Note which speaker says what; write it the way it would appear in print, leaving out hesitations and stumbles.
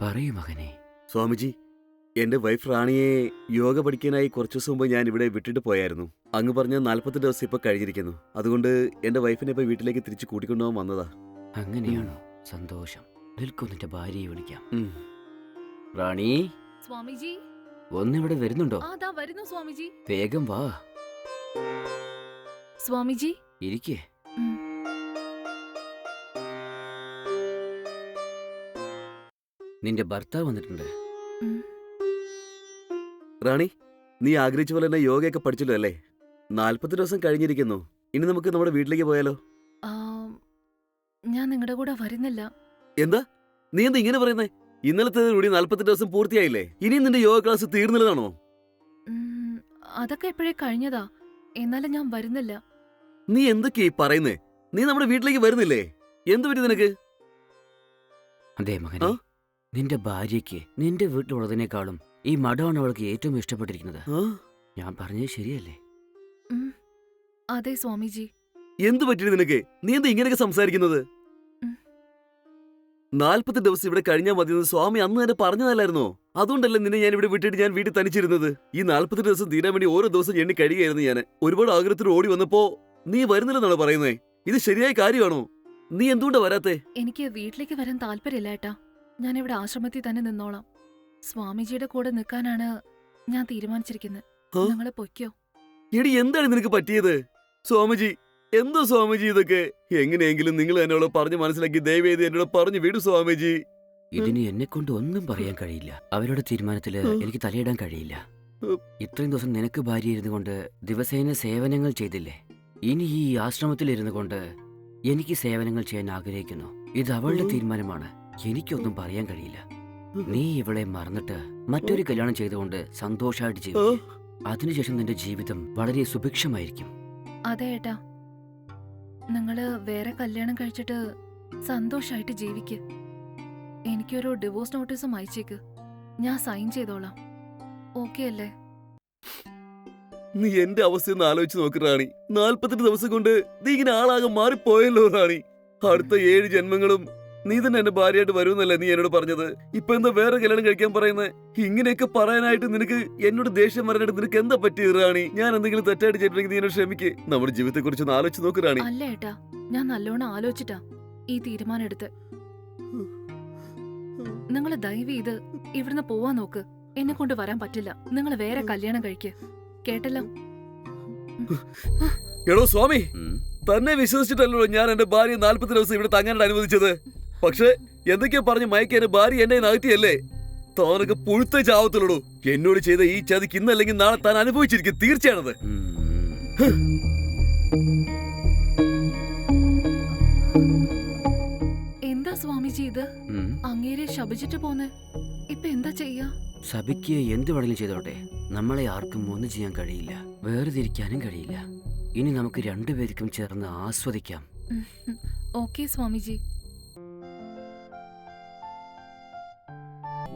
Speaker 1: പറയൂ മകനെ.
Speaker 2: സ്വാമിജി, എന്റെ വൈഫ് റാണിയെ യോഗ പഠിക്കാനായി കുറച്ചു ദിവസം മുമ്പ് ഞാൻ ഇവിടെ വിട്ടിട്ട് പോയായിരുന്നു. അങ്ങ് പറഞ്ഞ 40 ദിവസം ഇപ്പൊ കഴിഞ്ഞിരിക്കുന്നു. അതുകൊണ്ട് എന്റെ വൈഫിനെ ഇപ്പൊ വീട്ടിലേക്ക് തിരിച്ചു കൂട്ടിക്കൊണ്ടുപോകാൻ വന്നതാ.
Speaker 1: അങ്ങനെയാണോ? സന്തോഷം. നിൽക്കൂ, നിന്റെ ഭാര്യയെ വിളിക്കാം.
Speaker 2: ഉം.
Speaker 1: റാണി,
Speaker 3: സ്വാമിജി,
Speaker 1: ഒന്നിവിടെ വരുന്നുണ്ടോ?
Speaker 3: ദാ വരുന്നു സ്വാമിജി.
Speaker 1: വേഗം വാ,
Speaker 3: സ്വാമിജി.
Speaker 1: ഇരിക്കേ.
Speaker 3: ഉം.
Speaker 1: നിന്റെ ഭർത്താവ് വന്നിട്ടുണ്ട്.
Speaker 3: ഉം.
Speaker 2: റാണി, നീ ആഗ്രഹിച്ച പോലെ തന്നെ യോഗയൊക്കെ പഠിച്ചല്ലോ അല്ലേ? 40 ദിവസം കഴിഞ്ഞിരിക്കുന്നു. ഇനി നമുക്ക് നമ്മുടെ വീട്ടിലേക്ക് പോയാലോ?
Speaker 3: ആ, ഞാൻ നിങ്ങളുടെ കൂടെ വരുന്നില്ല.
Speaker 2: എന്താ നീ എന്താ ഇങ്ങനെ പറയുന്നേ? ഇന്നലത്തെ കൂടി 40 ദിവസം പൂർത്തിയായില്ലേ? ഇനിയും നിന്റെ യോഗ ക്ലാസ് തീർന്നില്ലതാണോ?
Speaker 3: ഉം, അതൊക്കെ എപ്പോഴേ കഴിഞ്ഞതാ. എന്നാലും ഞാൻ വരുന്നില്ല.
Speaker 2: നീ എന്തൊക്കെയാ പറയുന്നേ? നീ നമ്മുടെ വീട്ടിലേക്ക് വരുന്നില്ലേ? എന്ത് പറ്റി നിനക്ക്?
Speaker 1: അതെ മകനെ, നിന്റെ ഭാര്യയ്ക്ക് നിന്റെ വീട്ടിലുള്ളതിനേക്കാളും ഈ മഠമാണ് അവൾക്ക് ഏറ്റവും ഇഷ്ടപ്പെട്ടിരിക്കുന്നത്. ഞാൻ പറഞ്ഞത് ശരിയല്ലേ?
Speaker 3: ഉം, അതെ സ്വാമിജി.
Speaker 2: എന്ത് പറ്റി നിനക്ക്? നീ എന്താ ഇങ്ങനെയൊക്കെ സംസാരിക്കുന്നത്?
Speaker 3: ഉം.
Speaker 2: 40 ദിവസം ഇവിടെ കഴിഞ്ഞാൽ മതിയെന്ന് സ്വാമി അന്ന് തന്നെ പറഞ്ഞതല്ലായിരുന്നോ? അതുകൊണ്ടല്ലേ നിന്നെ ഞാൻ ഇവിടെ വിട്ടിട്ട് ഞാൻ വീട്ടിൽ തനിച്ചിരുന്നത്. ഈ 40 ദിവസം തീരാൻ വേണ്ടി ഓരോ ദിവസം എണ്ണി കഴിയുകയായിരുന്നു ഞാൻ. ഒരുപാട് ആഗ്രഹത്തിൽ ഓടി വന്നപ്പോ നീ വരുന്നില്ലെന്നാണ് പറയുന്നേ. ഇത് ശരിയായ കാര്യമാണോ? നീ എന്തുകൊണ്ടാ വരാത്തെ?
Speaker 3: എനിക്ക് വീട്ടിലേക്ക് വരാൻ താല്പര്യമില്ല ഏട്ടാ. ഞാൻ ഇവിടെ ആശ്രമത്തിൽ തന്നെ നിന്നോളാം. സ്വാമിജിയുടെ കൂടെ നിൽക്കാനാണ് ഞാൻ തീരുമാനിച്ചിരിക്കുന്നത്.
Speaker 2: ആ?
Speaker 3: നിങ്ങള് പൊയ്ക്കോ.
Speaker 2: എടി, എന്താണ് നിനക്ക് പറ്റിയത്? സ്വാമിജി, എന്തോ സ്വാമിജി ഇതൊക്കെ? എങ്ങനെയെങ്കിലും നിങ്ങൾ എന്നോട് പറഞ്ഞ് മനസ്സിലാക്കി ദയവേദി എന്നോട് പറഞ്ഞു വിടു സ്വാമിജി.
Speaker 1: ഇതിന് എന്നെ കൊണ്ട് ഒന്നും പറയാൻ കഴിയില്ല. അവരുടെ തീരുമാനത്തില് എനിക്ക് തലയിടാൻ കഴിയില്ല. ഇത്രയും ദിവസം നിനക്ക് ഭാര്യ ഇരുന്നു കൊണ്ട് ദിവസേന സേവനങ്ങൾ ചെയ്തില്ലേ? ഇനി ഈ ആശ്രമത്തിൽ ഇരുന്നു കൊണ്ട് എനിക്ക് സേവനങ്ങൾ ചെയ്യാൻ ആഗ്രഹിക്കുന്നു. ഇത് അവളുടെ തീരുമാനമാണ്. എനിക്കൊന്നും പറയാൻ കഴിയില്ല. നീ ഇവളെ മറന്നിട്ട് മറ്റൊരു കല്യാണം ചെയ്തുകൊണ്ട് സന്തോഷമായിട്ട് ജീവിക്കും. അതിനുശേഷം നിന്റെ ജീവിതം വളരെ സുഭിക്ഷമായിരിക്കും.
Speaker 3: അതെ ഏട്ടാ, നിങ്ങള് വേറെ കല്യാണം കഴിച്ചിട്ട് സന്തോഷായിട്ട് ജീവിക്ക്. എനിക്കൊരു ഡിവോഴ്സ് നോട്ടീസും അയച്ചേക്ക്. ഞാൻ സൈൻ ചെയ്തോളാം. ഓക്കെ അല്ലേ?
Speaker 2: നീ എന്റെ അവസ്ഥയൊന്ന് ആലോചിച്ച് നോക്ക് റാണി. 48 ദിവസം കൊണ്ട് നീ ഇങ്ങനെ ആളാകെ മാറിപ്പോയല്ലോ റാണി. അടുത്ത 7 ജന്മങ്ങളും നീ തന്നെ എന്റെ ഭാര്യയായിട്ട് വരുമെന്നല്ലേ നീ എന്നോട് പറഞ്ഞത്? ഇപ്പൊ എന്താ വേറെ കല്യാണം കഴിക്കാൻ പറയുന്നത്? ഇങ്ങനെയൊക്കെ പറയാനായിട്ട് നിനക്ക് എന്നോട് ദേഷ്യം വരാനായിട്ട് നിനക്ക് എന്താ പറ്റിയത് റാണി? ഞാൻ എന്തെങ്കിലും തെറ്റായിട്ട് ചെയ്തിട്ടുണ്ടെങ്കിൽ നീ എന്നോട് ക്ഷമിക്ക്. നമ്മുടെ ജീവിതത്തെ കുറിച്ച് ഒന്ന് ആലോചിച്ച് നോക്ക് റാണി.
Speaker 3: അല്ല ഏട്ടാ, ഞാൻ നല്ലോണം ആലോചിച്ചിട്ടാ ഈ തീരുമാനം എടുത്ത്. നിങ്ങൾ ദയവ് ചെയ്ത് ഇവിടുന്ന് പോവാൻ നോക്ക്. എന്നെ കൊണ്ട് വരാൻ പറ്റില്ല. നിങ്ങൾ വേറെ കല്യാണം കഴിക്ക്. കേട്ടല്ലോ?
Speaker 2: എടോ സ്വാമി,
Speaker 1: ഉം.
Speaker 2: തന്നെ വിശ്വസിച്ചിട്ടല്ലോ ഞാൻ എന്റെ ഭാര്യ 40 ദിവസം ഇവിടെ തങ്ങാനായിട്ട് അനുവദിച്ചത്. പക്ഷെ എന്തൊക്കെയാ പറഞ്ഞ് മയക്കി എന്റെ ഭാര്യ എന്നെ നകറ്റിയല്ലേ? താനൊക്കെ പുഴുത്ത ചാവത്തുള്ളൂ. എന്നോട് ചെയ്ത ഈ ചതിക്ക് ഇന്നല്ലെങ്കിൽ നാളെ താൻ അനുഭവിച്ചിരിക്കും. തീർച്ചയാണത്.
Speaker 3: എന്താ സ്വാമിജി ഇത്? അങ്ങേരെ ശപിച്ചിട്ട് പോന്നെ. ഇപ്പൊ എന്താ ചെയ്യാ?
Speaker 1: സഭയ്ക്ക് എന്ത് വേണമെങ്കിലും ചെയ്തോട്ടെ. നമ്മളെ ആർക്കും ഒന്നും ചെയ്യാൻ കഴിയില്ല, വേർതിരിക്കാനും കഴിയില്ല. ഇനി നമുക്ക് രണ്ടുപേർക്കും ചേർന്ന് ആസ്വദിക്കാം.
Speaker 3: ഓക്കെ സ്വാമിജി.